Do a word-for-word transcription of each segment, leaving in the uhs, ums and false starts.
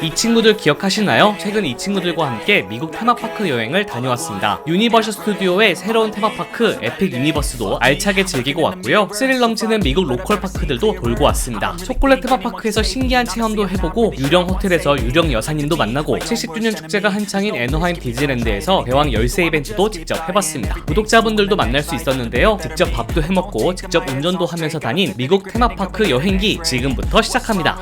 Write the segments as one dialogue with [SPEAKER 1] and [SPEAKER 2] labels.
[SPEAKER 1] 이 친구들 기억하시나요? 최근 이 친구들과 함께 미국 테마파크 여행을 다녀왔습니다. 유니버셜 스튜디오의 새로운 테마파크 에픽 유니버스도 알차게 즐기고 왔고요. 스릴 넘치는 미국 로컬 파크들도 돌고 왔습니다. 초콜릿 테마파크에서 신기한 체험도 해보고 유령 호텔에서 유령 여사님도 만나고 칠십 주년 축제가 한창인 애너하임 디즈랜드에서 대왕 열쇠 이벤트도 직접 해봤습니다. 구독자분들도 만날 수 있었는데요. 직접 밥도 해먹고 직접 운전도 하면서 다닌 미국 테마파크 여행기 지금부터 시작합니다.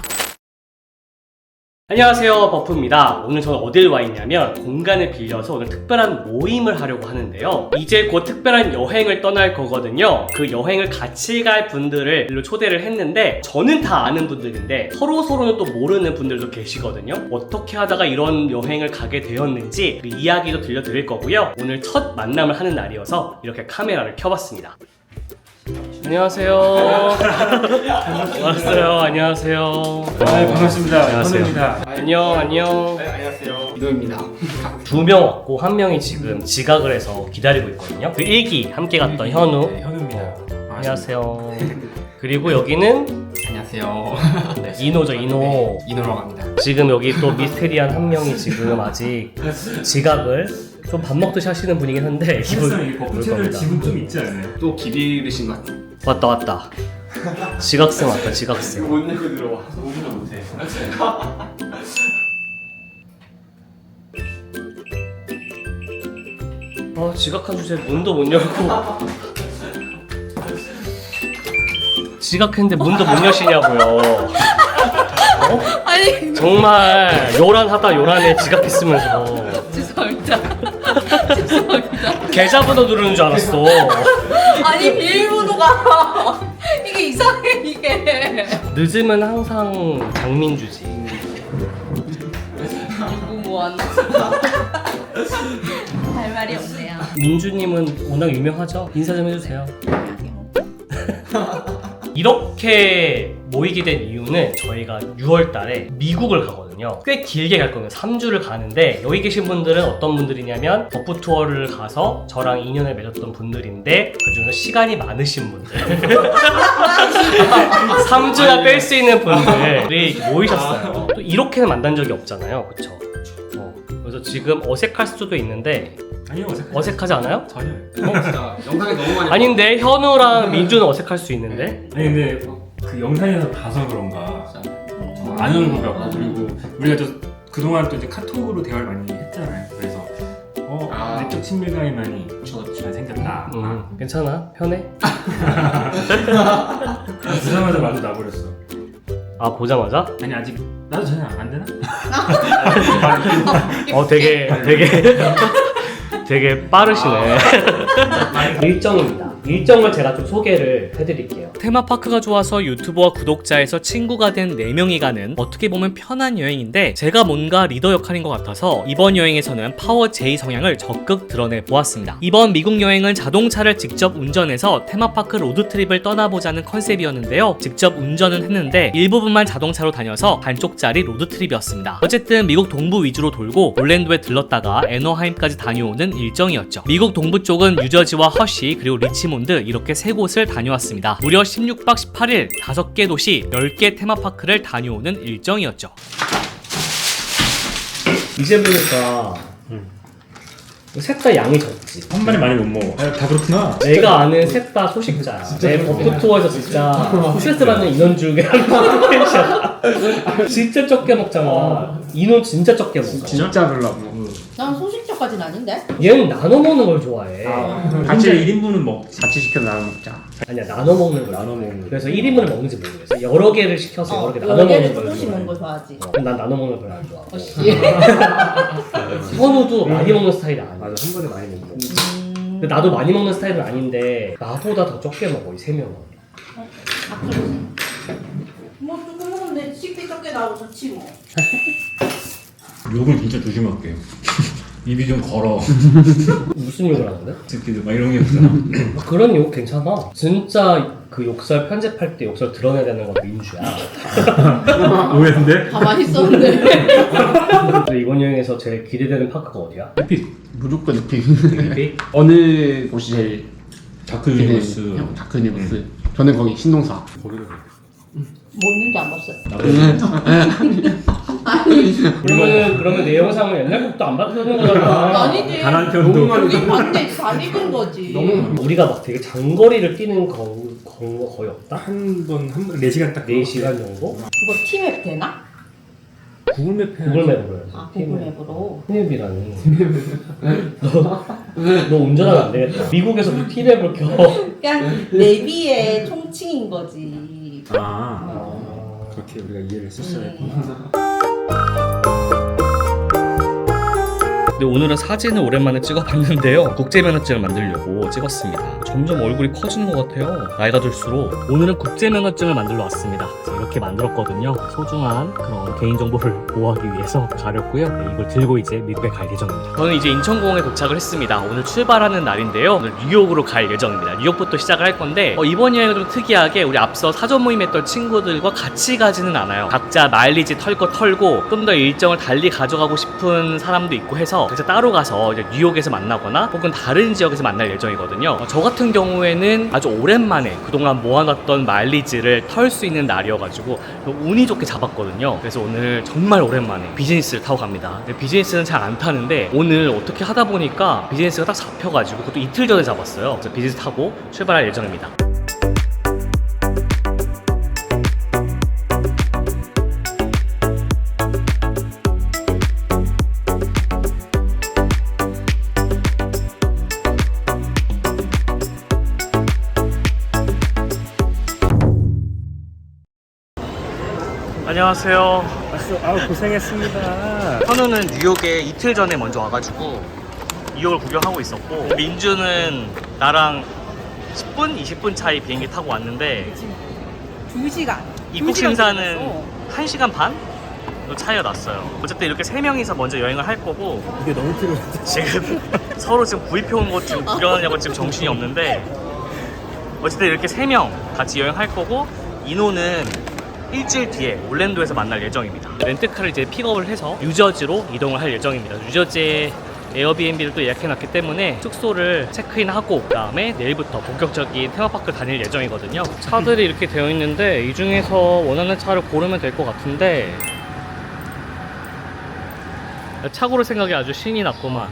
[SPEAKER 1] 안녕하세요, 버프입니다. 오늘 저는 어딜 와 있냐면 공간을 빌려서 오늘 특별한 모임을 하려고 하는데요. 이제 곧 특별한 여행을 떠날 거거든요. 그 여행을 같이 갈 분들을 초대를 했는데 저는 다 아는 분들인데 서로 서로는 또 모르는 분들도 계시거든요. 어떻게 하다가 이런 여행을 가게 되었는지 그 이야기도 들려드릴 거고요. 오늘 첫 만남을 하는 날이어서 이렇게 카메라를 켜봤습니다. 안녕하세요. 왔어요. 안녕하세요.
[SPEAKER 2] 네, 반갑습니다.
[SPEAKER 1] 안녕하세요.
[SPEAKER 2] 현우입니다.
[SPEAKER 1] 안녕, 안녕.
[SPEAKER 2] 네, 안녕하세요. 이도입니다.
[SPEAKER 1] 두 명 왔고 한 명이 지금 지각을 해서 기다리고 있거든요. 그 일기 함께 갔던 현우.
[SPEAKER 2] 네, 현우입니다.
[SPEAKER 1] 안녕하세요. 그리고 여기는
[SPEAKER 3] 안녕하세요.
[SPEAKER 1] 네, 이노죠, 이노.
[SPEAKER 3] 이노라고 합니다.
[SPEAKER 1] 지금 여기 또 미스테리한 한 명이 지금 아직 지각을 좀 밥 먹듯이 하시는 분이긴 한데
[SPEAKER 2] 사실상 이
[SPEAKER 1] 올
[SPEAKER 2] 버프 채널
[SPEAKER 1] 겁니다.
[SPEAKER 2] 지분 좀 있지 않아요?
[SPEAKER 3] 또 기대되신 것 같아요.
[SPEAKER 1] 왔다 왔다. 지각생 왔다, 지각생.
[SPEAKER 3] 못 내고 들어와. 오지도 못해.
[SPEAKER 1] 아, 지각한 주제에 문도 못 열고. 지각했는데 문도 못 여시냐고요. 어?
[SPEAKER 4] 아니
[SPEAKER 1] 정말 요란하다 요란해 지각했으면서
[SPEAKER 4] 죄송합니다. 죄송합니다.
[SPEAKER 1] 계좌번호 누르는 줄 알았어.
[SPEAKER 4] 아니 비밀번호가 이게 이상해 이게.
[SPEAKER 1] 늦으면 항상 장민주지.
[SPEAKER 4] 누구 뭐하나? 할 말이 없네요.
[SPEAKER 1] 민주님은 워낙 유명하죠? 인사 좀 해주세요. 이렇게 모이게 된 이유는 저희가 유월 달에 미국을 가거든요. 꽤 길게 갈 거예요. 삼 주를 가는데 여기 계신 분들은 어떤 분들이냐면 버프 투어를 가서 저랑 인연을 맺었던 분들인데 그중에서 시간이 많으신 분들 삼 주나 뺄 수 있는 분들이 모이셨어요. 또 이렇게는 만난 적이 없잖아요. 그쵸? 어, 그래서 지금 어색할 수도 있는데
[SPEAKER 2] 아니요, 어색하지,
[SPEAKER 1] 어색하지 않아요?
[SPEAKER 2] 전혀.
[SPEAKER 3] 진짜 영상에 너무 많이.
[SPEAKER 1] 아닌데 현우랑 민주는 어색할 수 있는데
[SPEAKER 2] 아니 근데 그 영상에서 봐서 그런가 어, 안 오는 것 같고 그리고 우리가 또 그동안 또 이제 카톡으로 대화를 많이 했잖아요. 그래서 어
[SPEAKER 3] 아.
[SPEAKER 2] 내적 친밀감이 많이
[SPEAKER 3] 그쵸, 그쵸.
[SPEAKER 2] 잘 생겼다.
[SPEAKER 1] 음, 괜찮아? 편해?
[SPEAKER 2] 보자마자 말도 나버렸어.
[SPEAKER 1] 아, 보자마자?
[SPEAKER 2] 아니 아직 나도 전혀 안 되나?
[SPEAKER 1] 어, 되게 되게 되게 빠르시네. 일정입니다. 일정을 제가 좀 소개를 해드릴게요. 테마파크가 좋아서 유튜버와 구독자에서 친구가 된 네 명이 가는 어떻게 보면 편한 여행인데 제가 뭔가 리더 역할인 것 같아서 이번 여행에서는 파워 제이 성향을 적극 드러내 보았습니다. 이번 미국 여행은 자동차를 직접 운전해서 테마파크 로드트립을 떠나보자는 컨셉이었는데요. 직접 운전은 했는데 일부분만 자동차로 다녀서 반쪽짜리 로드트립이었습니다. 어쨌든 미국 동부 위주로 돌고 올랜도에 들렀다가 애너하임까지 다녀오는 일정이었죠. 미국 동부 쪽은 뉴저지와 허시 그리고 리치몬드 이렇게 세 곳을 다녀왔습니다. 무려 십육 박 십팔 일 다섯 개 도시 열 개 테마파크를 다녀오는 일정이었죠. 이제 보니까 셋 다 양이 적지.
[SPEAKER 2] 한 마리 많이 못 먹어. 아, 다 그렇구나.
[SPEAKER 1] 내가 아는 셋 다 소식자야. 내 버프 투어에서 진짜 스트레스 받는 인원 중에 한 명이야. 진짜 적게 먹잖아. 인원 진짜 적게 먹어.
[SPEAKER 3] 진짜 별로 안 먹어.
[SPEAKER 4] 난 소식자까지는 아닌데.
[SPEAKER 1] 얘는 나눠 먹는 걸 좋아해.
[SPEAKER 2] 같이 일 인분은 먹지.
[SPEAKER 3] 같이 시켜서 나눠 먹자.
[SPEAKER 1] 아니야, 나눠 먹는 걸 나눠 먹는 거. 그래서 일 인분을 먹는지 모르겠어. 여러 개를 시켜서 여러 개 나눠
[SPEAKER 4] 여러 개를
[SPEAKER 1] 먹는 걸
[SPEAKER 4] 조금씩 먹는
[SPEAKER 1] 좋아해.
[SPEAKER 4] 거 좋아하지.
[SPEAKER 1] 어, 난 나눠 먹는 걸 안 좋아하고.
[SPEAKER 4] 어씨.
[SPEAKER 1] 현우도 많이 먹는 스타일이 아니야.
[SPEAKER 3] 맞아, 한 번에 많이 못 먹어.
[SPEAKER 4] 음.
[SPEAKER 1] 근데 나도 많이 먹는 스타일은 아닌데 나보다 더 적게 먹어, 이 세 명은.
[SPEAKER 4] 뭐 조금 먹는데 식비 적게 나오고 좋지 뭐.
[SPEAKER 2] 욕은 진짜 조심할게요. 입이 좀 걸어.
[SPEAKER 1] 무슨 욕을 하는데?
[SPEAKER 2] 새끼들 막 이런 게 없잖아.
[SPEAKER 1] 그런 욕 괜찮아. 진짜 그 욕설 편집할 때 욕설 드러내야 되는 건 민주야.
[SPEAKER 2] 오해인데?
[SPEAKER 4] 가만히 있었는데.
[SPEAKER 1] 근데 이번 여행에서 제일 기대되는 파크가 어디야?
[SPEAKER 2] 에픽.
[SPEAKER 3] 무조건 에픽.
[SPEAKER 1] 에픽?
[SPEAKER 3] 어느 곳이 제일
[SPEAKER 2] 다크
[SPEAKER 3] 기대?
[SPEAKER 2] 유니버스.
[SPEAKER 3] 형, 다크 유니버스. 저는 거기 신동사.
[SPEAKER 2] 거기를
[SPEAKER 4] 뭐 있는지 안 봤어요.
[SPEAKER 1] 그러면 그러면 내 영상을 옛날부터 안 봤다는 거잖아.
[SPEAKER 4] 아니지.
[SPEAKER 2] 단 한 편도.
[SPEAKER 4] 여기 봤는데 잘 익은 거지.
[SPEAKER 1] 너무 우리가 막 되게 장거리를 뛰는 거, 거 거의 없다.
[SPEAKER 2] 한 번 한 번 네 시간 딱.
[SPEAKER 1] 네 시간 정도?
[SPEAKER 4] 그거 티맵 되나?
[SPEAKER 2] 구글맵 해.
[SPEAKER 1] 구글맵으로 해야지.
[SPEAKER 4] 아 구글맵으로.
[SPEAKER 1] 티맵이라니. 너, 너 운전하면 안 되겠다. 미국에서 그 티맵을 켜.
[SPEAKER 4] 그냥 내비의 총칭인 거지.
[SPEAKER 2] 아,
[SPEAKER 1] 아.
[SPEAKER 2] 그렇게 우리가 이해를 했었어야
[SPEAKER 4] 음.
[SPEAKER 2] 했구나.
[SPEAKER 1] 근데 오늘은 사진을 오랜만에 찍어봤는데요. 국제면허증을 만들려고 찍었습니다. 점점 얼굴이 커지는 것 같아요. 나이가 들수록. 오늘은 국제면허증을 만들러 왔습니다. 그래서 이렇게 만들었거든요. 소중한 그런 개인정보를 보호하기 위해서 가렸고요. 네, 이걸 들고 이제 미국에 갈 예정입니다. 저는 이제 인천공항에 도착을 했습니다. 오늘 출발하는 날인데요. 오늘 뉴욕으로 갈 예정입니다. 뉴욕부터 시작을 할 건데 어, 이번 여행은 좀 특이하게 우리 앞서 사전 모임했던 친구들과 같이 가지는 않아요. 각자 마일리지 털 거 털고 좀 더 일정을 달리 가져가고 싶은 사람도 있고 해서 그래서 따로 가서 이제 뉴욕에서 만나거나 혹은 다른 지역에서 만날 예정이거든요. 어, 저 같은 경우에는 아주 오랜만에 그동안 모아놨던 마일리지를 털 수 있는 날이어가지고 운이 좋게 잡았거든요. 그래서 오늘 정말 오랜만에 비즈니스를 타고 갑니다. 근데 비즈니스는 잘 안 타는데 오늘 어떻게 하다 보니까 비즈니스가 딱 잡혀가지고 그것도 이틀 전에 잡았어요. 그래서 비즈니스 타고 출발할 예정입니다. 안녕하세요.
[SPEAKER 2] 아 고생했습니다.
[SPEAKER 1] 현우는 뉴욕에 이틀 전에 먼저 와가지고 뉴욕을 구경하고 있었고 민주는 나랑 십 분, 이십 분 차이 비행기 타고 왔는데
[SPEAKER 4] 두 시간.
[SPEAKER 1] 입국 심사는 한 시간 반? 차이가 났어요. 어쨌든 이렇게 세 명이서 먼저 여행을 할 거고
[SPEAKER 2] 이게 너무 필요해.
[SPEAKER 1] 지금 서로 지금 구입해온 것 지금 구경하냐고 지금 정신이 없는데 어쨌든 이렇게 세 명 같이 여행할 거고 인호는 일주일 뒤에 올랜도에서 만날 예정입니다. 렌트카를 이제 픽업을 해서 뉴저지로 이동을 할 예정입니다. 뉴저지에 에어비앤비를 또 예약해놨기 때문에 숙소를 체크인하고 그 다음에 내일부터 본격적인 테마파크 다닐 예정이거든요. 차들이 이렇게 되어 있는데 이 중에서 원하는 차를 고르면 될 것 같은데 차 고를 생각이 아주 신이 났구만.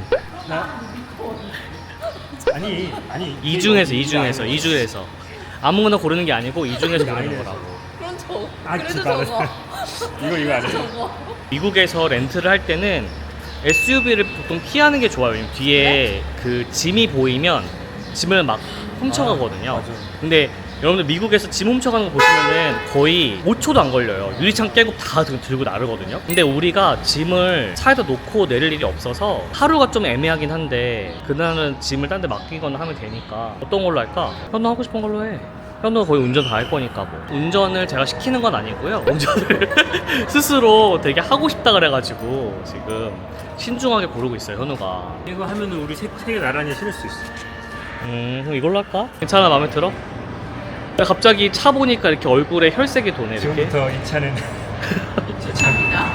[SPEAKER 2] 아니 아니.
[SPEAKER 1] 이 중에서 이 중에서 이 중에서 아무거나 고르는 게 아니고 이 중에서 고르는 거라고.
[SPEAKER 4] 그럼 저.
[SPEAKER 2] 아,
[SPEAKER 4] 그래도
[SPEAKER 2] 진짜.
[SPEAKER 4] 저거.
[SPEAKER 2] 이거 이거 안 해.
[SPEAKER 4] 저거.
[SPEAKER 1] 미국에서 렌트를 할 때는 에스유브이를 보통 피하는 게 좋아요. 왜냐면 뒤에 그 짐이 보이면 짐을 막 훔쳐가거든요.
[SPEAKER 2] 아, 맞아.
[SPEAKER 1] 근데 여러분들 미국에서 짐 훔쳐가는 거 보시면은 거의 오 초도 안 걸려요. 유리창 깨고 다 들- 들고 나르거든요. 근데 우리가 짐을 차에다 놓고 내릴 일이 없어서 하루가 좀 애매하긴 한데 그날은 짐을 딴 데 맡기거나 하면 되니까 어떤 걸로 할까? 현우 하고 싶은 걸로 해. 현우가 거의 운전 다 할 거니까 뭐. 운전을 제가 시키는 건 아니고요. 운전을 스스로 되게 하고 싶다 그래가지고 지금 신중하게 고르고 있어요, 현우가.
[SPEAKER 2] 이거 하면은 우리 세, 세개 나란히 실을 수 있어.
[SPEAKER 1] 음, 그럼 이걸로 할까? 괜찮아, 마음에 들어? 야, 갑자기 차 보니까 이렇게 얼굴에 혈색이 도네, 이렇게.
[SPEAKER 2] 지금부터 이 차는 제 차입니다.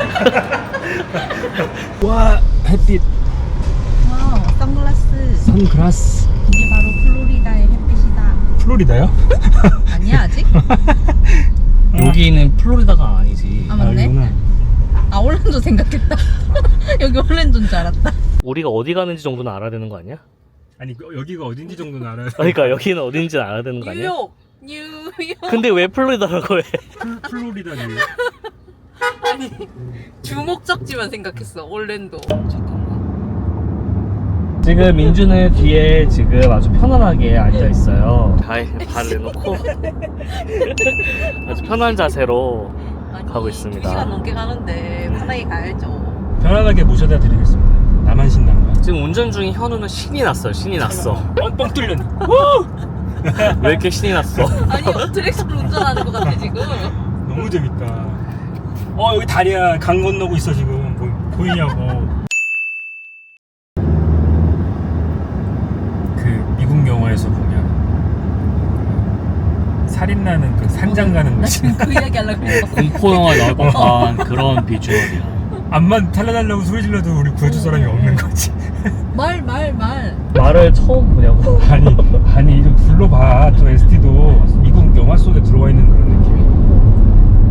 [SPEAKER 2] 와 햇빛.
[SPEAKER 5] 와, 선글라스.
[SPEAKER 2] 선글라스.
[SPEAKER 5] 이게 바로 플로리다의 햇빛이다.
[SPEAKER 2] 플로리다요?
[SPEAKER 5] 아니야, 아직?
[SPEAKER 1] 여기는 플로리다가 아니지.
[SPEAKER 5] 아, 맞네. 아, 올랜도 생각했다. 여기 올랜도인 줄 알았다.
[SPEAKER 1] 우리가 어디 가는지 정도는 알아야 되는 거 아니야?
[SPEAKER 2] 아니 그- 여기가 어딘지 정도는 알아요.
[SPEAKER 1] 그러니까 여기는 어딘지 알아야 되는 거 아니야?
[SPEAKER 4] 뉴욕. 뉴욕.
[SPEAKER 1] 근데 왜 플로리다라고 해?
[SPEAKER 2] 플, 플로리다는
[SPEAKER 4] 아니 주목적지만 생각했어. 올랜도.
[SPEAKER 1] 지금 민주는 뒤에 지금 아주 편안하게 앉아 있어요. 가에 발을 내놓고 아주 편한 자세로
[SPEAKER 4] 아니,
[SPEAKER 1] 가고 있습니다.
[SPEAKER 4] 두 시간 넘게 가는데 편하게 가야죠.
[SPEAKER 2] 편안하게 모셔다 드리겠습니다. 나만 신난가?
[SPEAKER 1] 지금 운전 중인 현우는 신이 났어요. 신이 났어.
[SPEAKER 2] 뻥뻥 뚫렸네.
[SPEAKER 1] 왜 이렇게 신이 났어?
[SPEAKER 4] 아니 트랙션을 운전하는 것 같아 지금.
[SPEAKER 2] 너무 재밌다. 어 여기 다리야. 강 건너고 있어 지금. 뭐, 보이냐고. 그 미국 영화에서 보면 살인나는 그 산장 가는
[SPEAKER 4] 나
[SPEAKER 2] 거지.
[SPEAKER 4] 지금 그 이야기 하려고 했어.
[SPEAKER 1] 공포 영화 나올 법한 그런 비주얼이야.
[SPEAKER 2] 암만 살려달라고 소리 질러도 우리 구해줄 사람이 없는 거지.
[SPEAKER 5] 말, 말, 말.
[SPEAKER 1] 말을 처음 보냐고.
[SPEAKER 2] 아니 아니 좀 둘러봐. 또 에스티도 미국 영화 속에 들어와 있는 그런 느낌.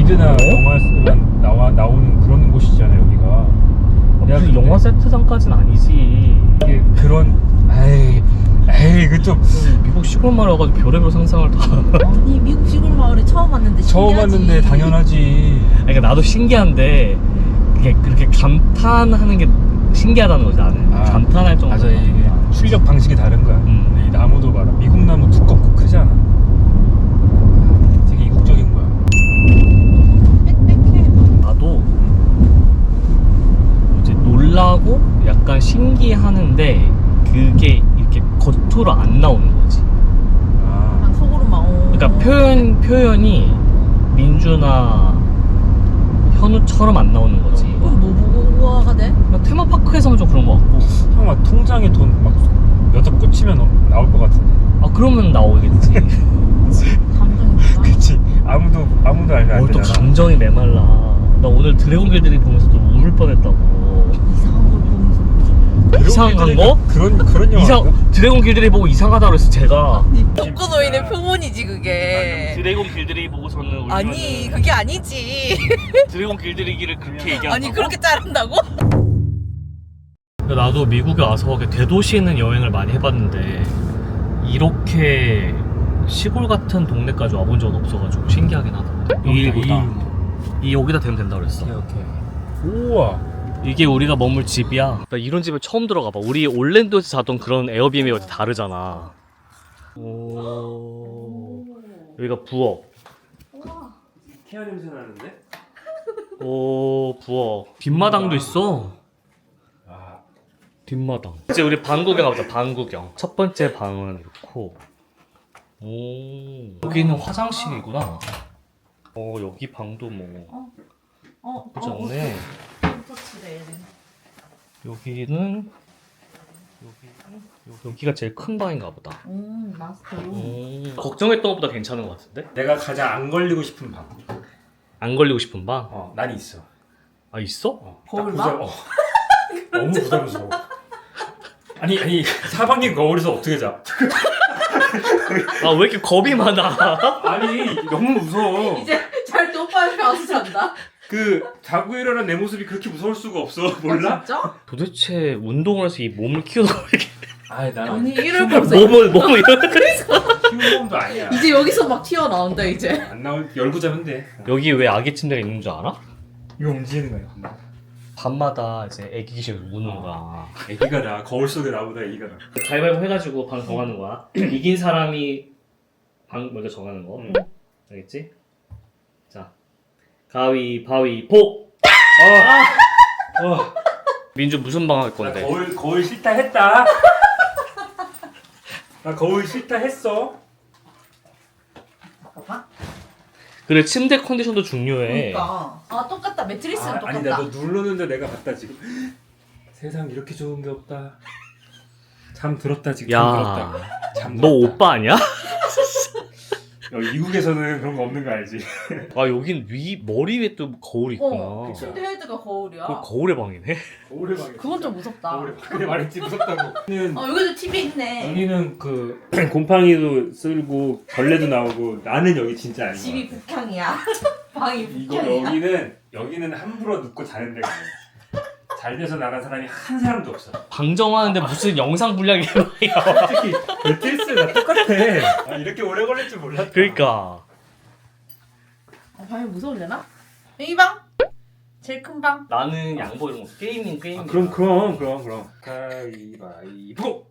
[SPEAKER 2] 미드나 영화에서만 나와 나오는 그런 곳이잖아요 여기가. 내가
[SPEAKER 1] 무슨
[SPEAKER 2] 근데
[SPEAKER 1] 영화 세트장까지는 아니지.
[SPEAKER 2] 이게 그런 에이 에이 그 좀
[SPEAKER 1] 미국 시골 마을 와가지고 별의별 상상을 다.
[SPEAKER 5] 아니 미국 시골 마을에 처음 왔는데
[SPEAKER 2] 처음
[SPEAKER 5] 신기하지.
[SPEAKER 2] 왔는데 당연하지.
[SPEAKER 1] 그러니까 나도 신기한데 그게 그렇게 감탄하는 게 신기하다는 거지 나는.
[SPEAKER 2] 아,
[SPEAKER 1] 감탄할 정도.
[SPEAKER 2] 맞아 이게 출력 방식이 다른 거야.
[SPEAKER 1] 음.
[SPEAKER 2] 이 나무도 봐라. 미국 나무 두껍고 크잖아. 되게 이국적인 거야.
[SPEAKER 5] 빽빽해.
[SPEAKER 1] 나도 이제 놀라고 약간 신기하는데 그게 이렇게 겉으로 안 나오는 거지.
[SPEAKER 2] 아,
[SPEAKER 5] 난 속으로만 어.
[SPEAKER 1] 그러니까 표현 표현이 민주나 현우처럼 안 나오는 거지.
[SPEAKER 5] 그럼 뭐 보고 우아가 돼?
[SPEAKER 1] 그냥 테마파크에서만 좀 그런 거 같고.
[SPEAKER 2] 형 막 통장에 돈 막 여섯 꽂히면 어- 나올 것 같은데.
[SPEAKER 1] 아 그러면 나오겠지.
[SPEAKER 5] 감정이구나.
[SPEAKER 2] 그치. 아무도 아무도 알면 안
[SPEAKER 1] 뭘 또
[SPEAKER 2] 되잖아.
[SPEAKER 1] 감정이 메말라. 나 오늘 드래곤 길들이 보면서 또 울 뻔했다고.
[SPEAKER 5] 이상한 걸 보면서.
[SPEAKER 2] 그런
[SPEAKER 1] 이상한
[SPEAKER 2] 길들이가-
[SPEAKER 1] 거?
[SPEAKER 2] 그런 그런 영화.
[SPEAKER 1] 이상 드래곤 길들이 보고 이상하다 그랬어 제가.
[SPEAKER 5] 독거노인의 표본이지 그게.
[SPEAKER 1] 드래곤 길들이 보고서는 울면은
[SPEAKER 5] 아니 그게 아니지.
[SPEAKER 1] 드래곤 길들이기를 그렇게 얘기한다고?
[SPEAKER 5] 아니 그렇게 자른다고?
[SPEAKER 1] 나도 미국에 와서 대도시에 있는 여행을 많이 해봤는데 이렇게 시골 같은 동네까지 와본 적은 없어가지고 신기하긴 하다. 이 일보다 이 여기다 대면 된다 그랬어.
[SPEAKER 2] 오케이 오케이. 우와.
[SPEAKER 1] 이게 우리가 머물 집이야. 나 이런 집에 처음 들어가봐. 우리 올랜도에서 자던 그런 에어비앤비와 다르잖아. 오, 여기가 부엌.
[SPEAKER 2] 케어 냄새 나는데?
[SPEAKER 1] 오, 부엌. 뒷마당도 있어.
[SPEAKER 2] 아,
[SPEAKER 1] 뒷마당. 이제 우리 방 구경 가보자. 방 구경. 첫 번째 방은 이렇고. 오, 여기는 화장실이구나. 어, 여기 방도 뭐
[SPEAKER 5] 어.
[SPEAKER 1] 나쁘지 않네.
[SPEAKER 5] 터치돼.
[SPEAKER 1] 여기는 여기 여기가 제일 큰 방인가 보다.
[SPEAKER 5] 음 마스터.
[SPEAKER 1] 음, 걱정했던 것보다 괜찮은 것 같은데?
[SPEAKER 2] 내가 가장 안 걸리고 싶은 방.
[SPEAKER 1] 안 걸리고 싶은 방?
[SPEAKER 2] 어, 난 있어.
[SPEAKER 1] 아 있어?
[SPEAKER 2] 어, 딱
[SPEAKER 5] 거울
[SPEAKER 2] 부담-
[SPEAKER 5] 방?
[SPEAKER 2] 어. 너무 부담스러워. 아니 아니 사방님 거울에서 어떻게 자?
[SPEAKER 1] 아 왜 이렇게 겁이 많아?
[SPEAKER 2] 아니 너무 무서워.
[SPEAKER 4] 이제 잘 때 오빠 옆에 와서 잔다.
[SPEAKER 2] 그 자고 일어난 내 모습이 그렇게 무서울 수가 없어. 몰라?
[SPEAKER 4] 진짜?
[SPEAKER 1] 도대체 운동을 해서 이 몸을 키우는 거 이렇게
[SPEAKER 2] 아니 난
[SPEAKER 4] 아니 이럴 거면서
[SPEAKER 1] 몸을 몸을 이렇게
[SPEAKER 2] 키우는 몸도 아니야.
[SPEAKER 4] 이제 여기서 막 튀어나온다 이제.
[SPEAKER 2] 안 나올 열고 자면 돼.
[SPEAKER 1] 여기 왜 아기 침대가 있는 줄 알아?
[SPEAKER 2] 이거 움직이는 거야.
[SPEAKER 1] 밤마다 이제 애기 귀신이 우는 거야.
[SPEAKER 2] 애기가 나 거울 속에 나보다 애기가 나.
[SPEAKER 1] 가위바위보 해가지고 방 정하는 거야. 이긴 사람이 방 먼저 정하는 거.
[SPEAKER 2] 응.
[SPEAKER 1] 알겠지? 자, 가위바위보.
[SPEAKER 2] 어. 어.
[SPEAKER 1] 민주 무슨 방 할
[SPEAKER 2] 나
[SPEAKER 1] 건데?
[SPEAKER 2] 거울 거울 싫다 했다. 나 거울 싫다 했어.
[SPEAKER 5] 잠깐만.
[SPEAKER 1] 그래 침대 컨디션도 중요해.
[SPEAKER 5] 그러니까. 아 똑같다. 매트리스는
[SPEAKER 2] 아,
[SPEAKER 5] 똑같다.
[SPEAKER 2] 아니 나도 누르는데 내가 봤다 지금. 세상 이렇게 좋은 게 없다. 잠 들었다 지금. 잠
[SPEAKER 1] 야,
[SPEAKER 2] 들었다. 잠
[SPEAKER 1] 너
[SPEAKER 2] 들었다.
[SPEAKER 1] 오빠 아니야?
[SPEAKER 2] 야, 미국에서는 그런 거 없는 거 알지?
[SPEAKER 1] 아 여긴 위 머리 위에 또 거울이 있구나.
[SPEAKER 4] 어, 침대 헤드가 거울이야.
[SPEAKER 1] 그 거울의 방이네.
[SPEAKER 2] 거울에 방에.
[SPEAKER 4] 그건 좀 무섭다.
[SPEAKER 2] 거울에 방. 그래 말했지 무섭다고. 여기는
[SPEAKER 4] 어 여기도 티비 있네.
[SPEAKER 2] 여기는 그 곰팡이도 쓸고 벌레도 나오고 나는 여기 진짜 아닌
[SPEAKER 4] 집이
[SPEAKER 2] 거 같아.
[SPEAKER 4] 북향이야. 방이
[SPEAKER 2] 이거
[SPEAKER 4] 북향이야.
[SPEAKER 2] 여기는 여기는 함부로 눕고 자는 데가 아니야. 잘 돼서 나간 사람이 한 사람도 없어.
[SPEAKER 1] 방 정하는데 무슨 영상 분량이 방이야.
[SPEAKER 2] 특히 매트리스가 똑같아. 아, 이렇게 오래 걸릴 줄 몰랐다.
[SPEAKER 1] 그러니까.
[SPEAKER 4] 어, 방이 무서울래나? 이 방? 제일 큰 방?
[SPEAKER 1] 나는 양보 이런 거 게이밍 게이밍.
[SPEAKER 2] 아, 그럼 그럼 그럼 그럼. 가위바위보.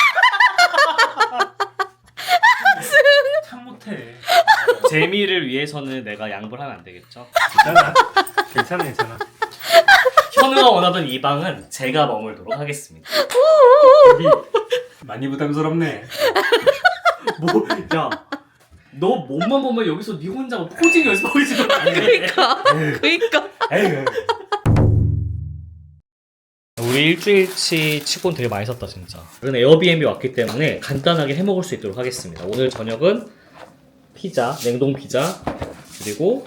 [SPEAKER 2] 참 못해.
[SPEAKER 1] 재미를 위해서는 내가 양보를 하면 안 되겠죠?
[SPEAKER 2] 괜찮아. 괜찮아 괜찮아.
[SPEAKER 1] 현우가 원하던 이 방은 제가 머물도록 하겠습니다.
[SPEAKER 2] 여기 많이 부담스럽네.
[SPEAKER 1] 뭐, 야, 너 몸만 보면 여기서 네 혼자 뭐 포징 연습하고 있는 거 아니야?
[SPEAKER 5] 그러니까. 그러니까.
[SPEAKER 2] 에이.
[SPEAKER 1] 우리 일주일치 치곤 되게 많이 썼다 진짜. 우리는 에어비앤비 왔기 때문에 간단하게 해먹을 수 있도록 하겠습니다. 오늘 저녁은 피자, 냉동 피자, 그리고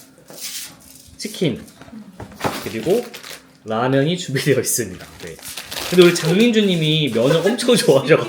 [SPEAKER 1] 치킨, 그리고 라면이 준비되어 있습니다. 네. 근데 우리 장민주님이 면을 엄청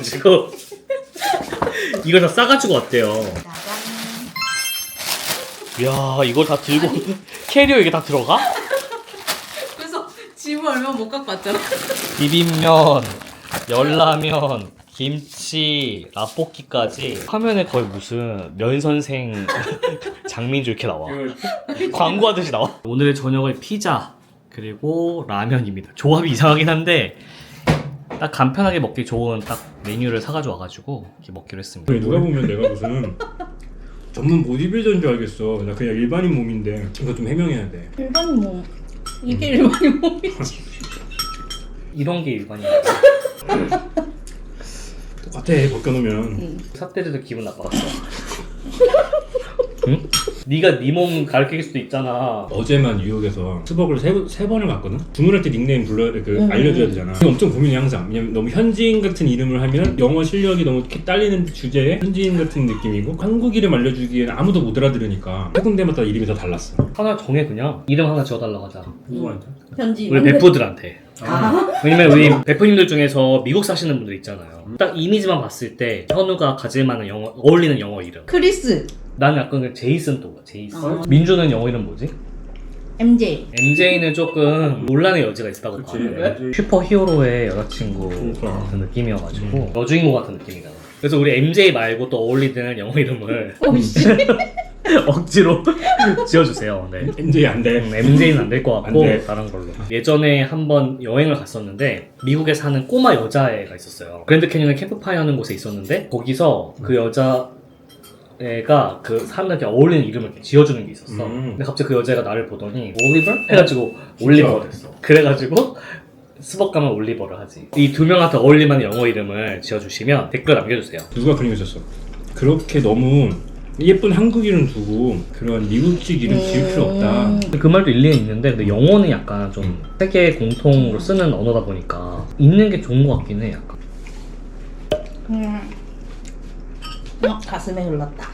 [SPEAKER 1] 좋아하셔가지고 이걸 다 싸가지고 왔대요. 야 이걸 다 들고 캐리어 이게 다 들어가?
[SPEAKER 5] 그래서 짐을 얼마 못 갖고 왔잖아.
[SPEAKER 1] 비빔면, 열라면, 김치, 라볶이까지 화면에 거의 무슨 면선생 장민주 이렇게 나와. 광고하듯이 나와. 오늘의 저녁은 피자 그리고 라면입니다. 조합이 이상하긴 한데 딱 간편하게 먹기 좋은 딱 메뉴를 사가지고 와가지고 이렇게 먹기로 했습니다.
[SPEAKER 2] 누가 보면 내가 무슨 전문 보디빌더인 줄 알겠어. 나 그냥 일반인 몸인데 이거 좀 해명해야 돼.
[SPEAKER 5] 일반 몸. 이게 일반인 몸이지.
[SPEAKER 1] 이런 게 일반이야.
[SPEAKER 2] 똑같아 벗겨놓으면.
[SPEAKER 1] 삿대들도 기분 나빠갔어. 응? 네가 네 몸 가르칠 수도 있잖아.
[SPEAKER 2] 어제만 뉴욕에서 스벅을 세, 세 번을 갔거든? 주문할 때 닉네임 불러야 돼, 그
[SPEAKER 5] 음.
[SPEAKER 2] 알려줘야 되잖아. 이거 엄청 고민해 항상. 왜냐면 너무 현지인 같은 이름을 하면 영어 실력이 너무 이렇게 딸리는 주제에 현지인 같은 느낌이고 한국 이름 알려주기에는 아무도 못 알아들으니까 세 군데마다 이름이 다 달랐어.
[SPEAKER 1] 하나 정해 그냥. 이름 하나 지어달라고 하자.
[SPEAKER 2] 누구한테?
[SPEAKER 5] 현지.
[SPEAKER 1] 우리 베프들한테.
[SPEAKER 5] 아.
[SPEAKER 1] 왜냐면 우리 베프님들 중에서 미국 사시는 분들 있잖아요. 딱 이미지만 봤을 때 현우가 가질 만한 영어, 어울리는 영어 이름.
[SPEAKER 5] 크리스.
[SPEAKER 1] 나는 약간 그 제이슨 또 제이슨.
[SPEAKER 5] 아.
[SPEAKER 1] 민주는 영어 이름 뭐지?
[SPEAKER 5] 엠제이.
[SPEAKER 1] 엠제이는 조금 논란의 여지가 있다고
[SPEAKER 2] 그치,
[SPEAKER 1] 봐요.
[SPEAKER 2] 엠제이.
[SPEAKER 1] 슈퍼 히어로의 여자친구
[SPEAKER 2] 그러니까.
[SPEAKER 1] 같은 느낌이어가지고 여주인공 같은 느낌이잖아. 그래서 우리 엠제이 말고 또 어울리는 영어 이름을
[SPEAKER 5] 오씨.
[SPEAKER 1] 억지로 지어주세요. 네.
[SPEAKER 2] 엔제이 안 돼.
[SPEAKER 1] 음, 엠제이는 안 될 것 같고
[SPEAKER 2] 안 돼.
[SPEAKER 1] 다른 걸로. 예전에 한번 여행을 갔었는데 미국에 사는 꼬마 여자애가 있었어요. 그랜드 캐니언에 캠프파이어 하는 곳에 있었는데 거기서 그 여자 애가 그 사람들한테 어울리는 이름을 이렇게 지어주는 게 있었어.
[SPEAKER 2] 음.
[SPEAKER 1] 근데 갑자기 그 여자가 나를 보더니 올리버? 해가지고 올리버를 했어. 그래가지고 스벅 가면 올리버를 하지. 이 두 명한테 어울릴만한 영어 이름을 지어주시면 댓글 남겨주세요.
[SPEAKER 2] 누가 그런 게 있었어. 그렇게 너무 예쁜 한국 이름 두고 그런 미국식 이름 지을 필요 없다.
[SPEAKER 1] 그 말도 일리는 있는데 근데 영어는 약간 좀 세계 공통으로 쓰는 언어다 보니까 있는 게 좋은 것 같긴 해. 약간.
[SPEAKER 5] 음. 어, 가슴에 흘렀다.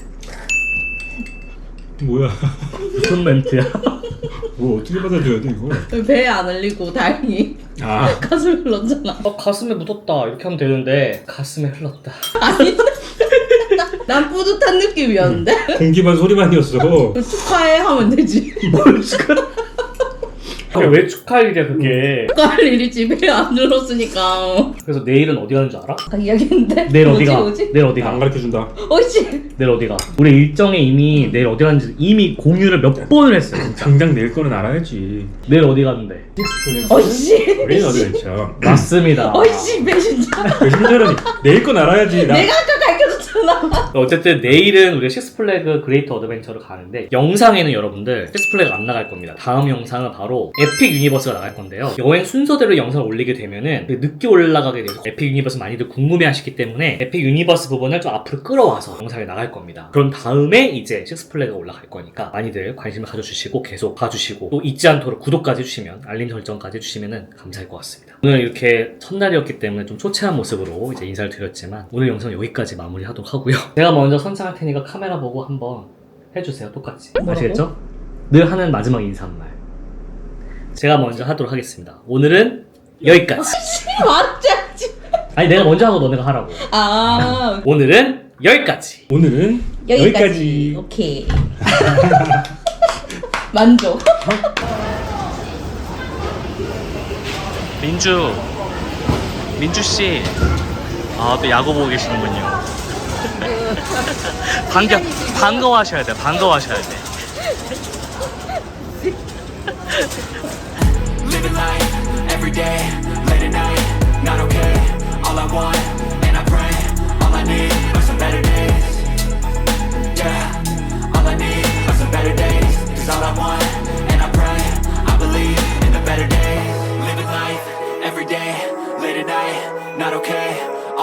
[SPEAKER 2] 뭐야?
[SPEAKER 1] 무슨 멘트야?
[SPEAKER 2] 뭐 어떻게 받아줘야 돼 이거?
[SPEAKER 5] 배에 안 흘리고 다행히
[SPEAKER 2] 아
[SPEAKER 5] 가슴에 흘렀잖아.
[SPEAKER 1] 어, 가슴에 묻었다 이렇게 하면 되는데 가슴에 흘렀다.
[SPEAKER 5] 아니. 난 뿌듯한 느낌이었는데.
[SPEAKER 2] 공기반 소리반이었어.
[SPEAKER 5] 축하해 하면 되지.
[SPEAKER 1] 뭘 축하? 그게 왜 축하할 일이야 그게.
[SPEAKER 5] 축하할 일이지. 배에 안 흘렀으니까.
[SPEAKER 1] 그래서 내일은 어디 가는 줄 알아?
[SPEAKER 5] 아까 이야기했는데.
[SPEAKER 1] 내일
[SPEAKER 5] 뭐지,
[SPEAKER 1] 어디가?
[SPEAKER 5] 뭐지?
[SPEAKER 1] 내일 어디가?
[SPEAKER 2] 안 가르쳐준다.
[SPEAKER 5] 어이씨.
[SPEAKER 1] 내일 어디가? 우리 일정에 이미 내일 어디 가는지 이미 공유를 몇 번을 했어요 진짜.
[SPEAKER 2] 당장 낼 거는 알아야지.
[SPEAKER 1] 내일 어디 가는데?
[SPEAKER 5] 어이씨.
[SPEAKER 2] 우리는 어디 있죠?
[SPEAKER 1] 맞습니다.
[SPEAKER 5] 어이씨 배신자.
[SPEAKER 2] 그 심지어는 낼 건 알아야지. 나
[SPEAKER 5] 내가 아까 가르쳐줬잖아.
[SPEAKER 1] 어쨌든 내일은 우리가 식스플래그 그레이터 어드벤처를 가는데 영상에는 여러분들 식스플래그 안 나갈 겁니다. 다음 영상은 바로 에픽 유니버스가 나갈 건데요. 여행 순서대로 영상을 올리게 되면은 늦게 올라가게 돼서 에픽 유니버스 많이들 궁금해 하시기 때문에 에픽 유니버스 부분을 좀 앞으로 끌어와서 영상에 나갈 겁니다. 그런 다음에 이제 식스플래그가 올라갈 거니까 많이들 관심을 가져주시고 계속 봐주시고 또 잊지 않도록 구독까지 해주시면 알림 설정까지 해주시면 감사할 것 같습니다. 오늘 이렇게 첫날이었기 때문에 좀 초췌한 모습으로 이제 인사를 드렸지만 오늘 영상 여기까지 마무리하도록 하고요. 제가 먼저 선창할 테니까 카메라 보고 한번 해주세요. 똑같이.
[SPEAKER 5] 뭐라고?
[SPEAKER 1] 아시겠죠? 늘 하는 마지막 인사말. 제가 먼저 하도록 하겠습니다. 오늘은 여기까지.
[SPEAKER 5] 맞지?
[SPEAKER 1] 아니 내가 먼저 하고 너네가 하라고.
[SPEAKER 5] 아
[SPEAKER 1] 오늘은 여기까지.
[SPEAKER 2] 오늘은
[SPEAKER 5] 여기까지.
[SPEAKER 2] 여기까지.
[SPEAKER 5] 오케이. 만족.
[SPEAKER 1] 민주, 민주 씨. 아, 또 야구 보고 계시는군요. 반겨, 반가워하셔야 돼. 반가워하셔야 돼.
[SPEAKER 6] Living life every day